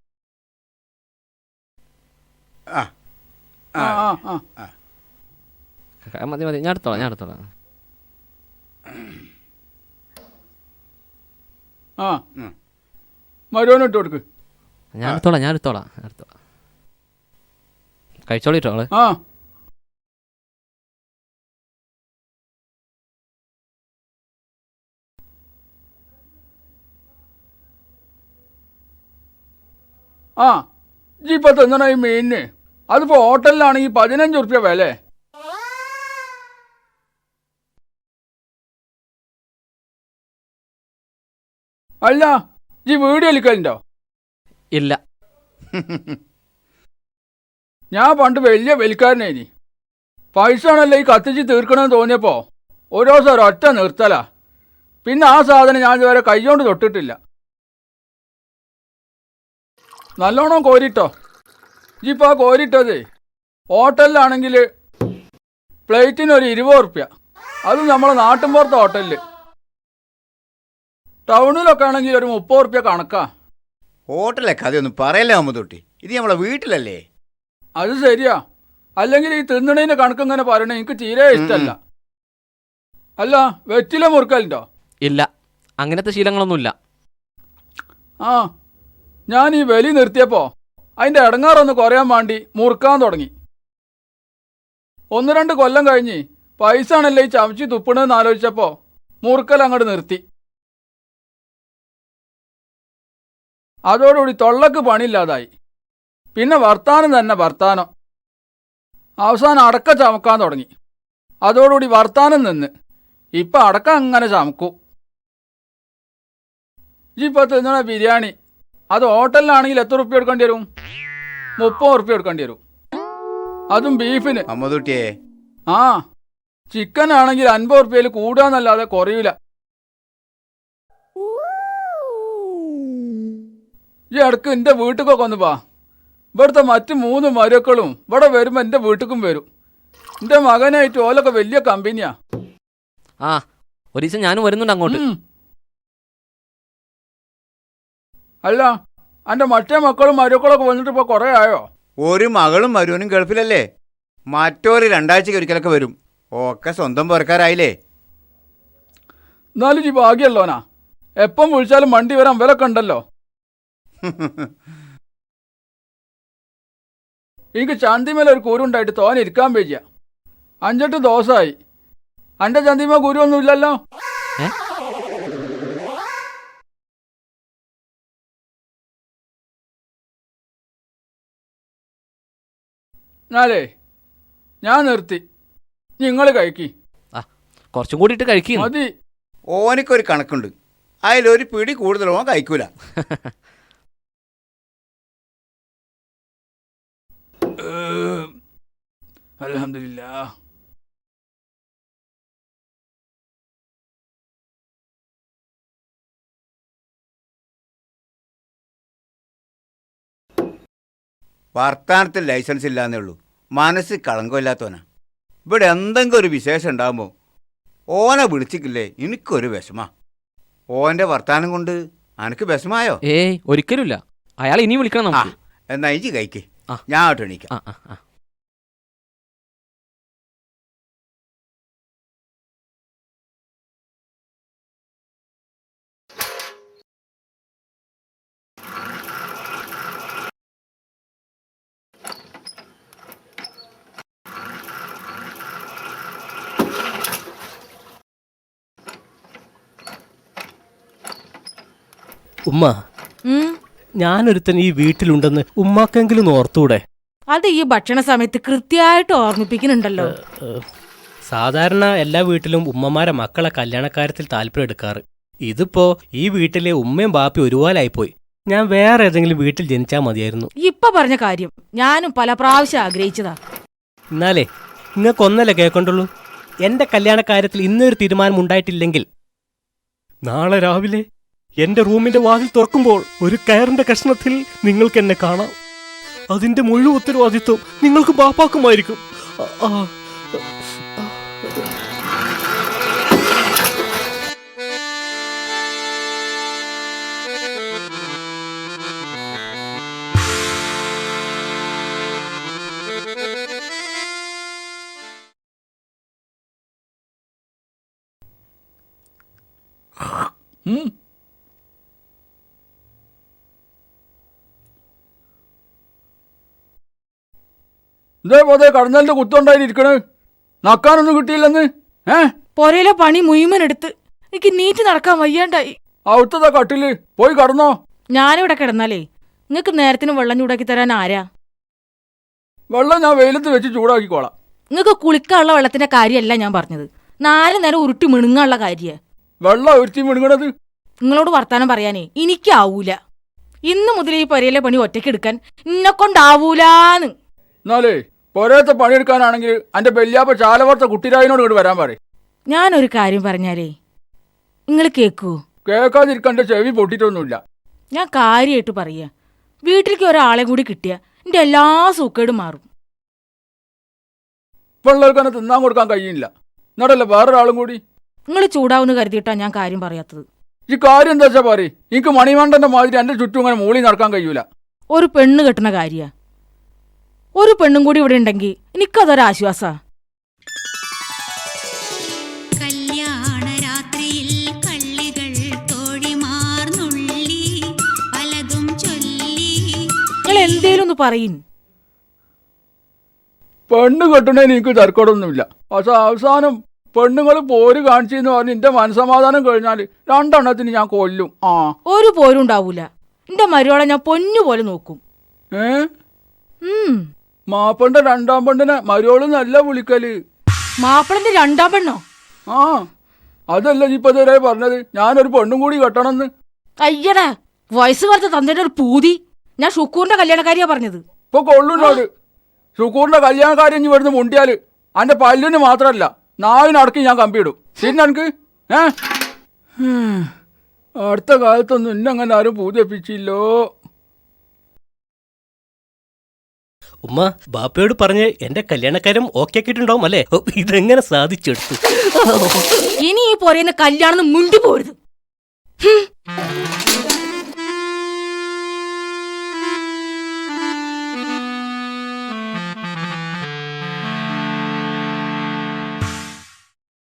Speaker 3: ആ
Speaker 4: ആ ആ ആ
Speaker 8: ആ, മതി മതി, ഞാൻ എടുത്തോളാം ഞാൻ എടുത്തോളാം.
Speaker 4: ആ മരുവൻ ഇട്ട് കൊടുക്ക്.
Speaker 8: ഞാൻ എടുത്തോളാം ഞാൻ എടുത്തോളാം ഞാൻ എടുത്തോളാം. കഴിച്ചോളിട്ടോ ആള്.
Speaker 4: ആ ആ ഇജ്ജ് ഇപ്പൊ തിന്നണ ഈ മീനിന് അതിപ്പോ ഹോട്ടലിലാണെങ്കിൽ പതിനഞ്ച് ഉറുപ്പ്യ വില. അല്ല ഇജ്ജ് വീഡിയോ കളിക്കലുണ്ടോ?
Speaker 8: ഇല്ല.
Speaker 4: ഞാൻ പണ്ട് വലിയ വലിക്കാരനേനി. പൈസ ആണല്ലോ ഈ കത്തിച്ച് തീർക്കണമെന്ന് തോന്നിയപ്പോ ഓരോ ദിവസം ഒറ്റ നിർത്തലാ. പിന്നെ ആ സാധനം ഞാൻ ഇതുവരെ കൈകൊണ്ട് തൊട്ടിട്ടില്ല. നല്ലോണം കോരിട്ടോ. ഇജിപ്പോൾ ആ കോരിട്ടത് ഹോട്ടലിലാണെങ്കിൽ പ്ലേറ്റിന് ഒരു ഇരുപത് ഉറുപ്പ്യ. അത് നമ്മളെ നാട്ടിൻപുറത്തെ ഹോട്ടലിൽ. ടൗണിലൊക്കെ ആണെങ്കിൽ ഒരു മുപ്പത് ഉറുപ്പ്യ കണക്കാ.
Speaker 3: ഹോട്ടലിലെ കഥയൊന്നും പറയല്ലേ അമ്മൂട്ടി, ഇത് നമ്മളെ വീട്ടിലല്ലേ.
Speaker 4: അത് ശരിയാ. അല്ലെങ്കിൽ ഈ തിന്നണേന് കണക്ക് ഇങ്ങനെ പറയണേ എനിക്ക് തീരെ ഇഷ്ടമല്ല. അല്ല വെറ്റില മുറുക്കലുണ്ടോ?
Speaker 8: ഇല്ല, അങ്ങനത്തെ ശീലങ്ങളൊന്നുമില്ല.
Speaker 4: ആ ഞാൻ ഈ വലി നിർത്തിയപ്പോൾ അതിൻ്റെ ഇടങ്ങാറൊന്ന് കുറയാൻ വേണ്ടി മുറുക്കാൻ തുടങ്ങി. ഒന്ന് രണ്ട് കൊല്ലം കഴിഞ്ഞ് പൈസ ആണല്ലേ ഈ ചമച്ച് തുപ്പണെന്ന് ആലോചിച്ചപ്പോൾ മുറുക്കൽ അങ്ങോട്ട് നിർത്തി. അതോടുകൂടി തൊള്ളക്ക് പണിയില്ലാതായി. പിന്നെ വർത്താനം തന്നെ വർത്താനം. അവസാനം അടക്ക ചമക്കാൻ തുടങ്ങി. അതോടുകൂടി വർത്താനം നിന്ന് ഇപ്പം അടക്ക അങ്ങനെ ചമക്കും. ഇപ്പം തിന്നണ ബിരിയാണി അത് ഹോട്ടലിലാണെങ്കിൽ എത്ര ഉറുപ്പ്യ എടുക്കേണ്ടി വരും? മുപ്പത് ഉറുപ്പ്യ എടുക്കേണ്ടി വരും. അതും ബീഫിന്.
Speaker 3: അമ്മൂട്ടിയെ
Speaker 4: ആ ചിക്കൻ ആണെങ്കിൽ അൻപത് ഉറുപ്പ്യയിൽ കൂടാന്നല്ലാതെ കുറയൂല. ഈ ഇടക്ക് എൻ്റെ വീട്ടിലൊക്കെ ഒന്ന് പാ. ഇവിടുത്തെ മറ്റ് മൂന്ന് മരുക്കളും ഇവിടെ വരുമ്പോൾ എൻ്റെ വീട്ടിലും വരും. എൻ്റെ മകനായിട്ട് ഓലൊക്കെ വലിയ കമ്പനിയാ.
Speaker 8: ആ ഒരു ദിവസം ഞാനും വരുന്നുണ്ട് അങ്ങോട്ട്.
Speaker 4: അല്ല എൻ്റെ മറ്റേ മക്കളും മരുക്കളൊക്കെ വന്നിട്ട് ഇപ്പോൾ കുറേ ആയോ?
Speaker 3: ഒരു മകളും മരുവനും ഗൾഫിലല്ലേ. മറ്റൊരു രണ്ടാഴ്ചക്ക് ഒരിക്കലൊക്കെ വരും. ഒക്കെ സ്വന്തം പുറക്കാരായില്ലേ.
Speaker 4: എന്നാലും ഈ ഭാഗ്യല്ലോനാ. എപ്പം വിളിച്ചാലും വണ്ടി വരാൻ വിലക്കെ ഉണ്ടല്ലോ. എനിക്ക് ചന്തിമേല ഒരു കുരുണ്ടായിട്ട് തോനെ ഇരിക്കാൻ പേജിയ. അഞ്ചെട്ട് ദിവസമായി. എൻ്റെ ചന്തിമ കുരുവൊന്നും ഇല്ലല്ലോ. എന്നാലേ ഞാൻ നിർത്തി. നിങ്ങൾ കഴിക്കി.
Speaker 8: ആ കുറച്ചും കൂടി ഇട്ട് കഴിക്കും.
Speaker 4: മതി.
Speaker 3: ഓനിക്കൊരു കണക്കുണ്ട്, അതിലൊരു പിടി കൂടുതൽ ഓൻ കഴിക്കൂല.
Speaker 4: അൽഹംദുലില്ലാ.
Speaker 3: വർത്താനത്തിൽ ലൈസൻസ് ഇല്ലാന്നേ ഉള്ളൂ, മനസ്സ് കളങ്കമില്ലാത്തവനാ. ഇവിടെ എന്തെങ്കിലും ഒരു വിശേഷം ഉണ്ടാകുമ്പോൾ ഓനെ വിളിച്ചിട്ടില്ലേ എനിക്കൊരു വിഷമാ. ഓൻ്റെ വർത്താനം കൊണ്ട് അനക്ക് വിഷമായോ?
Speaker 8: ഏയ് ഒരിക്കലുമില്ല. അയാൾ ഇനി വിളിക്കണം നമുക്ക്.
Speaker 3: എന്നാ ഇഞ്ചി കഴിക്ക്,
Speaker 8: ആ
Speaker 3: ഞാൻ ആട്ടോ എണീക്കാം.
Speaker 8: ആ ആ ആ
Speaker 7: ഉമ്മ, ഞാനൊരുത്തൻ ഈ വീട്ടിലുണ്ടെന്ന് ഉമ്മാക്കെങ്കിലും ഓർത്തൂടെ?
Speaker 10: അത് ഈ ഭക്ഷണ സമയത്ത് കൃത്യമായിട്ട് ഓർമ്മിപ്പിക്കുന്നുണ്ടല്ലോ.
Speaker 7: സാധാരണ എല്ലാ വീട്ടിലും ഉമ്മമാരെ മക്കളെ കല്യാണക്കാര്യത്തിൽ താല്പര്യം എടുക്കാറ്. ഇതിപ്പോ ഈ വീട്ടിലെ ഉമ്മയും ബാപ്പി ഒരുപോലായിപ്പോയി. ഞാൻ വേറെ ഏതെങ്കിലും വീട്ടിൽ ജനിച്ചാൽ മതിയായിരുന്നു.
Speaker 10: ഇപ്പൊ പറഞ്ഞ കാര്യം ഞാനും പല പ്രാവശ്യം ആഗ്രഹിച്ചതാ.
Speaker 7: എന്നാലേ നിങ്ങൾക്കൊന്നല്ലേ കേൾക്കണ്ടുള്ളൂ. എന്റെ കല്യാണക്കാര്യത്തിൽ ഇന്നൊരു തീരുമാനം ഉണ്ടായിട്ടില്ലെങ്കിൽ നാളെ രാവിലെ എന്റെ റൂമിന്റെ വാതിൽ തുറക്കുമ്പോൾ ഒരു കയറിന്റെ കഷ്ണത്തിൽ നിങ്ങൾക്ക് എന്നെ കാണാം. അതിന്റെ മുഴുവൻ ഉത്തരവാദിത്വം നിങ്ങൾക്ക് ബാപ്പാക്കുമായിരിക്കും. ആ, ആ.
Speaker 4: ഉം. ഇതേപോലെ കടന്നലിന്റെ കുത്തുണ്ടായിരിക്കണ്. നക്കാനൊന്നും കിട്ടിയില്ലെന്ന്. ഏ
Speaker 10: പൊരയിലെ പണി മുഴുവൻ എടുത്ത് എനിക്ക് നീറ്റ് നടക്കാൻ വയ്യാണ്ടായി.
Speaker 4: അവിടുത്തെ കട്ടില് പോയി കടന്നോ.
Speaker 10: ഞാനിവിടെ കിടന്നാലേ നിങ്ങൾക്ക് നേരത്തിന് വെള്ളം ചൂടാക്കി തരാൻ ആരാ?
Speaker 4: വെള്ളം ഞാൻ വെയിലത്ത് വെച്ച് ചൂടാക്കിക്കോളാം.
Speaker 10: നിങ്ങൾക്ക് കുളിക്കാനുള്ള വെള്ളത്തിന്റെ കാര്യമല്ല ഞാൻ പറഞ്ഞത്, നാല് നേരം ഉരുട്ടി മിണുങ്ങാനുള്ള കാര്യ.
Speaker 4: വെള്ളം ഒരുത്തി മിണുങ്ങണത്
Speaker 10: നിങ്ങളോട് വർത്താനം പറയാനേ എനിക്കാവൂല. ഇന്ന് മുതൽ ഈ പൊരയിലെ പണി ഒറ്റയ്ക്ക് എടുക്കാൻ എന്നെ കൊണ്ടാവൂലാന്ന്.
Speaker 4: എന്നാലേ പൊരയത്തെ പണിയെടുക്കാനാണെങ്കിൽ എന്റെ ബെല്യാപ്പ ചാലവർത്ത കുട്ടിരായനോട് ഇങ്ങോട്ട് വരാൻ പറയും.
Speaker 10: ഞാനൊരു കാര്യം പറഞ്ഞാലേ നിങ്ങൾ കേക്കൂ?
Speaker 4: കേൾക്കാതിരിക്കണ്ട, ചെവി പൊട്ടിട്ടൊന്നുമില്ല.
Speaker 10: ഞാൻ കാര്യമായിട്ട് പറയാ, വീട്ടിലേക്ക് ഒരാളെ കൂടി കിട്ടിയ എന്റെ എല്ലാ സൂക്കേടും മാറും.
Speaker 4: പിള്ളേർക്ക് തിന്നാൻ കൊടുക്കാൻ കഴിയില്ല, എന്നടല്ലേ വേറൊരാളും കൂടി.
Speaker 10: നിങ്ങൾ ചൂടാവുന്ന കരുതിയിട്ടാ ഞാൻ കാര്യം പറയാത്തത്.
Speaker 4: ഈ കാര്യം എന്താ വെച്ചാ പറയും. എനിക്ക് മണിമണ്ടന്റെ മാതിരി എന്റെ ചുറ്റും ഇങ്ങനെ മൂളി നടക്കാൻ കഴിയൂല.
Speaker 10: ഒരു പെണ്ണ് കെട്ടുന്ന കാര്യ, ഒരു പെണ്ണും കൂടി ഇവിടെ ഉണ്ടെങ്കിൽ എനിക്കതൊരാശ്വാസാ. നിങ്ങൾ എന്തേലും ഒന്ന് പറയും.
Speaker 4: പെണ്ണ് കെട്ടണേന് എനിക്ക് തർക്കടൊന്നുമില്ല. പക്ഷെ അവസാനം പെണ്ണുങ്ങൾ പോര് കാണിച്ചെന്ന് പറഞ്ഞ് എന്റെ മനസമാധാനം കഴിഞ്ഞാൽ രണ്ടെണ്ണത്തിന് ഞാൻ കൊല്ലും. ആ
Speaker 10: ഒരു പോരും ഉണ്ടാവൂല. എന്റെ മരുവളെ ഞാൻ പൊന്നു പോലെ നോക്കും.
Speaker 4: ഏ മാപ്പന്റെ രണ്ടാം പെണ്ണിനെ മരുവോള് നല്ല വിളിക്കല്.
Speaker 10: മാപ്പിളന്റെ രണ്ടാം പെണ്ണോ?
Speaker 4: ആ അതല്ല ഇപ്പൊ ഇതുവരെ പറഞ്ഞത് ഞാനൊരു പെണ്ണും കൂടി കെട്ടണമെന്ന്.
Speaker 10: അയ്യടാ, വയസ്സ് കുറച്ച് തന്നിട്ട് ഒരു പൂതി. ഞാൻ ഷുക്കൂറിന്റെ കല്യാണക്കാരിയാ പറഞ്ഞത്.
Speaker 4: ഇപ്പൊ കൊള്ളുന്നോട് ഷുക്കൂറിന്റെ കല്യാണക്കാരി ഇനി വരുന്ന മുണ്ടിയാല് അന്റെ പല്ലിന് മാത്രല്ല നാവിനടക്കി ഞാൻ കമ്പിയിടും. പിന്നെ എനിക്ക് ഏ അടുത്ത കാലത്തൊന്നും ഇന്നങ്ങനെ ആരും പൂജപ്പിച്ചില്ലോ.
Speaker 7: ഉമ്മ ബാപ്പയോട് പറഞ്ഞ് എന്റെ കല്യാണക്കാരം ഓക്കെ ആക്കിയിട്ടുണ്ടാവും അല്ലേ? ഇതെങ്ങനെ സാധിച്ചെടുത്തു?
Speaker 10: ഇനി ഈ പോരേന്ന് കല്യാണം മുണ്ടി പോരുത്.